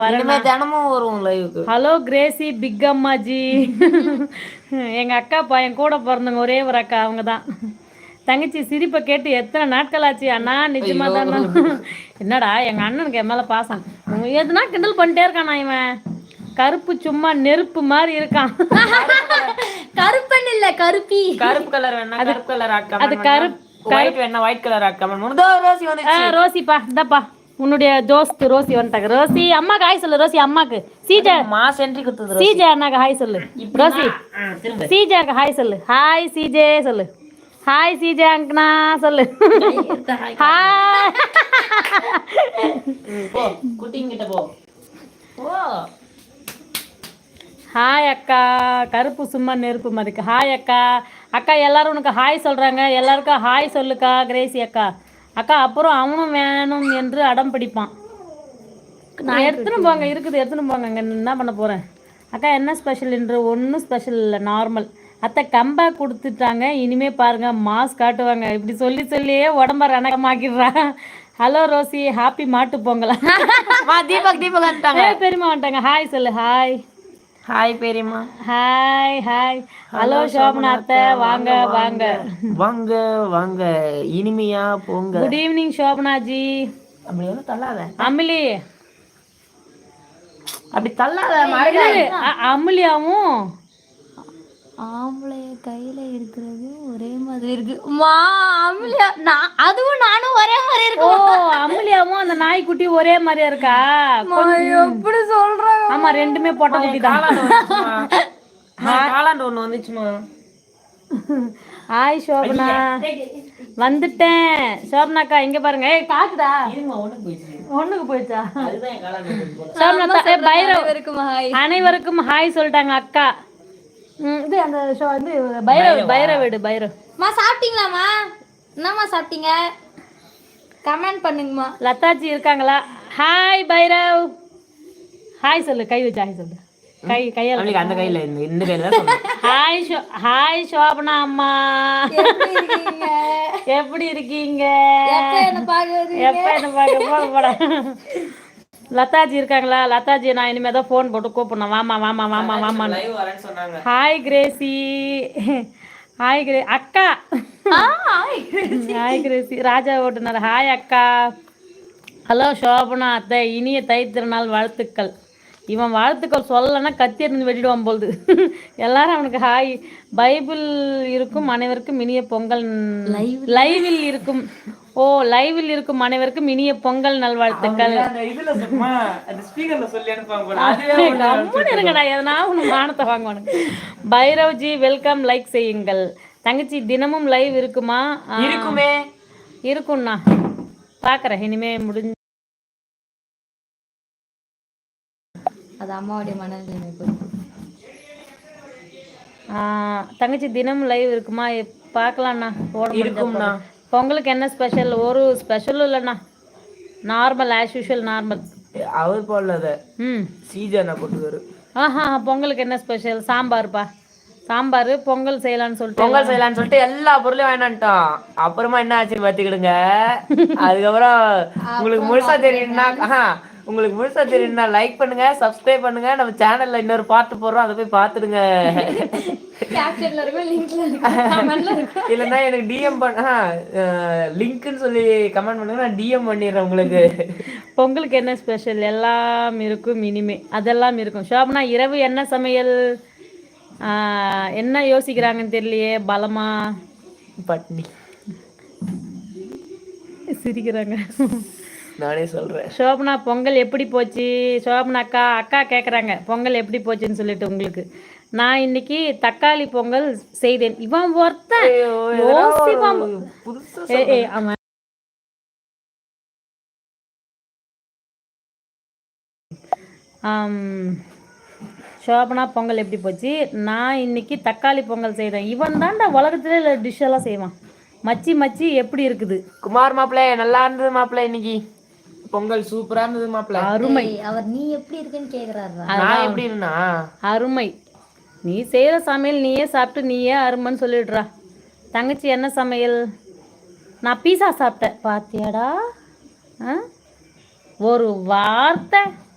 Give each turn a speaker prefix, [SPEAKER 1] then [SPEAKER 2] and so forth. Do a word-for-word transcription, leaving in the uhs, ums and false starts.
[SPEAKER 1] தினமும் வரும் லைவுக்கு.
[SPEAKER 2] ஹலோ கிரேசி பிக் அம்மாஜி. எங்கள் அக்கா பையன் கூட பிறந்தவங்க ஒரே ஒரு அக்கா அவங்க தான். தங்கச்சி சிரிப்பை கேட்டு எத்தனை நாட்கள் ஆச்சு அண்ணா? நிஜமா தானே? என்னடா எங்கள் அண்ணனுக்கு என் மேலே பாசம் எதுனா கிண்டல் பண்ணிட்டே இருக்கானா இவன். கருப்பு சும்மா நெருப்பு மாதிரி இருக்கான்.
[SPEAKER 3] கருப்பன் இல்ல கருப்பி.
[SPEAKER 1] கருப்பு கலர் வேணா கருப்பு கலர் ஆட் கமெண்ட்
[SPEAKER 2] அது கருப்பு
[SPEAKER 1] ஒயிட் வேணா ஒயிட் கலர் ஆட் கமெண்ட் பண்ணுதோ. ரோசி வந்துச்சு.
[SPEAKER 2] ரோசிப்பா இந்தாப்பா உன்னுடைய தோஸ்து ரோசி வந்துட்டாங்க. ரோசி அம்மாக்கு ஹாய் சொல்லு. ரோசி அம்மாக்கு சீஜா
[SPEAKER 1] மாஸ் என்ட்ரி குத்துது.
[SPEAKER 2] சீஜா அண்ணாக்கு ஹாய் சொல்லு. ரோசி சீஜாக்கு ஹாய் சொல்லு. ஹாய் சீஜே சொல்லு. ஹாய் சீஜே அங்கனா சொல்லு. ஹாய்
[SPEAKER 1] போ குட்டிங்கிட்ட போ. ஓ
[SPEAKER 2] ஹாய் அக்கா. கருப்பு சும்மா நெருப்பு மாதிரிக்கு. ஹாய் அக்கா. அக்கா எல்லாரும் உனக்கு ஹாய் சொல்கிறாங்க. எல்லாருக்கும் ஹாய் சொல்லுக்கா கிரேசி அக்கா. அக்கா அப்புறம் அவனும் வேணும் என்று அடம் பிடிப்பான். நான் எடுத்துன்னு போங்க இருக்குது எடுத்துன்னு போங்க. இங்கே என்ன பண்ண போகிறேன். அக்கா என்ன ஸ்பெஷல் என்று ஒன்றும் ஸ்பெஷல் இல்லை நார்மல். அத்தை கம்பேக் கொடுத்துட்டாங்க இனிமேல் பாருங்கள் மாஸ் காட்டுவாங்க. இப்படி சொல்லி சொல்லியே உடம்ப ரணகமாக்கிடுறான். ஹலோ ரோசி ஹாப்பி மாட்டு பொங்கலா.
[SPEAKER 1] தீபக் தீபக் வந்துட்டாங்க.
[SPEAKER 2] பெரியம்மா வந்துட்டாங்க. ஹாய் சொல்லு. ஹாய்
[SPEAKER 1] ஹாய் பெரியம்மா.
[SPEAKER 2] Hi hi. ஹலோ சோபனா அத்தை வாங்க வாங்க
[SPEAKER 1] வாங்க வாங்க இனிமையா போங்க.
[SPEAKER 2] குட் ஈவினிங் சோபனாஜி.
[SPEAKER 1] அப்படி ஒன்றும் தள்ளாத
[SPEAKER 2] அமிலி.
[SPEAKER 1] அப்படி தள்ளாத.
[SPEAKER 2] அமிலியாவும்
[SPEAKER 3] ஆம்பளைய கையில இருக்கிறது ஒரே மாதிரி இருக்கு. மா அமிலியா நான் அதுவும் நானும் ஒரே மாதிரி இருக்கு.
[SPEAKER 2] ஓ அமிலியாவும் அந்த நாய்க்குட்டி ஒரே மாதிரியா இருக்கா?
[SPEAKER 3] எப்படி சொல்றாங்க?
[SPEAKER 2] ஆமா ரெண்டுமே பொட்டை குட்டி தான்.
[SPEAKER 1] காலாண்டு ஒண்ணு வந்துச்சுமா.
[SPEAKER 2] ஹாய் சோபனா வந்துட்டேன். சோபனாக்கா இங்க பாருங்க. ஏய் காக்குதா? ஒண்ணுக்கு போயிடுச்சா? சோபனா பைரவ் அனைவருக்கும் ஹாய் சொல்லிட்டாங்க அக்கா. இது அந்த ஷோ வந்து பைரவ் பைரவ் வீடு பைரவ்.
[SPEAKER 3] மா சாப்பிட்டீங்களாம்மா? என்னம்மா சாப்பிட்டீங்க? கமெண்ட் பண்ணுங்கம்மா.
[SPEAKER 2] லதாஜி இருக்காங்களா? ஹாய் பைரவ் ஹாய் சொல்லு. கை வச்சு ஹாய் சொல்லு. கை கையால
[SPEAKER 1] அந்த கையில இந்த இந்த கையில தான் சொல்லு.
[SPEAKER 2] ஹாய் ஷோ ஹாய் சோபனா அம்மா
[SPEAKER 3] எப்படி இருக்கீங்க?
[SPEAKER 2] எப்படி இருக்கீங்க?
[SPEAKER 3] எப்ப என்ன பாக்குறீங்க?
[SPEAKER 2] எப்ப என்ன பாக்க போடா. லதாஜி இருக்காங்களா? லதாஜி நான் இனிமே தான் ஃபோன் போட்டு கூப்பிடணும். வாமா வாமா வாமா வாமா. Hi Gracy. ஹாய் கிரே அக்கா. Hi Gracy. ராஜா ஓட்டுனர். ஹாய் அக்கா. ஹலோ சோபனா அத்தை இனிய தை திருநாள் வாழ்த்துக்கள். இவன் வாழ்த்துக்கள் சொல்லலைன்னா கத்தி இருந்து வெட்டிடுவான் போகுது. எல்லாரும் அவனுக்கு ஹாய். பைபிள் இருக்கும் அனைவருக்கும் இனிய பொங்கல். லைவில் இருக்கும். ஓ லைவில் இருக்கும் அனைவருக்கும் இனிய பொங்கல் நல்வாழ்த்துக்கள். இருங்கடா எதனா உனக்கு மானத்தை வாங்கணும். பைரவ்ஜி வெல்கம். லைக் செய்யுங்கள். தங்கச்சி தினமும் லைவ் இருக்குமா?
[SPEAKER 1] இருக்குமே
[SPEAKER 2] இருக்கும்ண்ணா பார்க்குறேன் இனிமே முடிஞ்சு.
[SPEAKER 3] அது அம்மாவுடைய மனநிலைமை.
[SPEAKER 2] தங்கச்சி தினமும் லைவ் இருக்குமா? பார்க்கலாம்ண்ணா.
[SPEAKER 1] இருக்கும்ண்ணா.
[SPEAKER 2] பொங்கலுக்கு என்ன ஸ்பெஷல்? ஒரு ஸ்பெஷலும் இல்லைண்ணா. Normal as usual normal.
[SPEAKER 1] அவர் போடல.
[SPEAKER 2] ம்
[SPEAKER 1] சீஜனா போட்டுவாரு.
[SPEAKER 2] ஆஹா பொங்கலுக்கு என்ன ஸ்பெஷல்? சாம்பார்ப்பா. சாம்பார் பொங்கல் செய்யலான்னு சொல்லிட்டு
[SPEAKER 1] பொங்கல் செய்யலான்னு சொல்லிட்டு எல்லா பொருளையும் வாங்கினான்ட்டோம். அப்புறமா என்ன ஆச்சுன்னு பார்த்துக்கிடுங்க. அதுக்கப்புறம் உங்களுக்கு முழுசா தெரியும்னா உங்களுக்கு முழுசா தெரியும்னா லைக் பண்ணுங்க சப்ஸ்கிரைப் பண்ணுங்க. நம்ம சேனல்ல இன்னொரு பாட்டு போடுறோம் அதை போய் பார்த்துடுங்க. இல்லைன்னா எனக்கு டிஎம் பண்ண லிங்க்னு சொல்லி கமெண்ட் பண்ணுங்க. நான் டிஎம் பண்ணிடுறேன் உங்களுக்கு.
[SPEAKER 2] பொங்கலுக்கு என்ன ஸ்பெஷல்? எல்லாம் இருக்கும் இனிமே அதெல்லாம் இருக்கும். ஷோபனா இரவு என்ன சமையல்? என்ன யோசிக்கிறாங்கன்னு தெரியலையே. பலமா
[SPEAKER 1] பட்னி
[SPEAKER 2] சிரிக்கிறாங்க.
[SPEAKER 1] நானே சொல்கிறேன்.
[SPEAKER 2] சோபனா பொங்கல் எப்படி போச்சு? சோபனா அக்கா அக்கா கேட்குறாங்க பொங்கல் எப்படி போச்சுன்னு சொல்லிட்டு உங்களுக்கு. நான் இன்னைக்கு தக்காளி பொங்கல் செய்தேன். இவன் ஒருத்தன் ஆமாம். சோபனா பொங்கல் எப்படி போச்சு? நான் இன்னைக்கு தக்காளி பொங்கல் செய்தேன். இவன் தான்டா உலகத்துல டிஷ்ஷெல்லாம் செய்வான். மச்சி மச்சி எப்படி இருக்குது?
[SPEAKER 1] குமார் மாப்பிள்ளை நல்லா இருந்தது மாப்பிள்ளை. இன்னைக்கு பொங்கல் சூப்பரா இருந்தது மாப்பிள்ளை.
[SPEAKER 2] அருமை.
[SPEAKER 3] அவர் நீ எப்படி இருக்குன்னு கேக்குறாரு.
[SPEAKER 1] நான் எப்படி இருந்தா
[SPEAKER 2] அருமை. நீ செய்யற சமையல் நீயே சாப்பிட்டு நீயே அருமைன்னு சொல்லிடுறா. தங்கச்சி என்ன சமையல்? நான் பீஸா சாப்பிட்டேன். பாத்தியாடா ஒரு வார்த்தை